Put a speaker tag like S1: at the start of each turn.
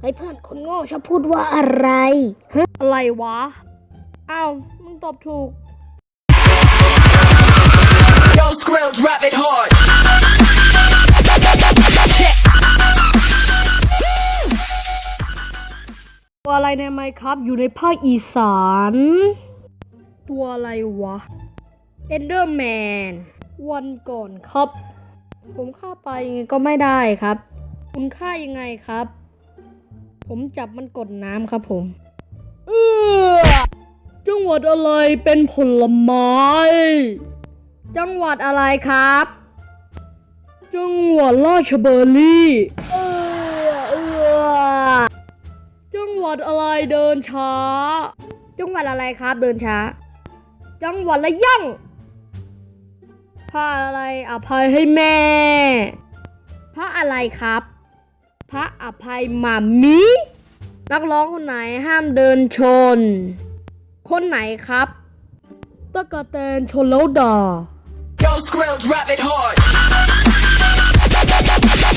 S1: เฮ้ยเพื่อนคนโง่ชอบพูดว่าอะไรฮะอะไรวะอ้าวมึงตอบถูก
S2: Yo, Skrill, drop it hard.
S1: ตัวอะไรในไมค์ครับอยู่ในภาคอีสานตัวอะไรวะเอนเดอร์แมนวันก่อนครับผมฆ่าไปยังไงก็ไม่ได้ครับคุณฆ่ายังไงครับผมจับมันกดน้ำครับผมจังหวัดอะไรเป็นผลไม้จังหวัดอะไรครับจังหวัดราชบุรีจังหวัดอะไรเดินช้าจังหวัดอะไรครับเดินช้าจังหวัดระยองพระอะไรอภัยให้แม่พระอะไรครับพระอภัยหม่ามีนักร้องคนไหนห้ามเดินชนคนไหนครับตะกะแตนชนแล้วด่า
S2: Yo, Skrill, drop it hard.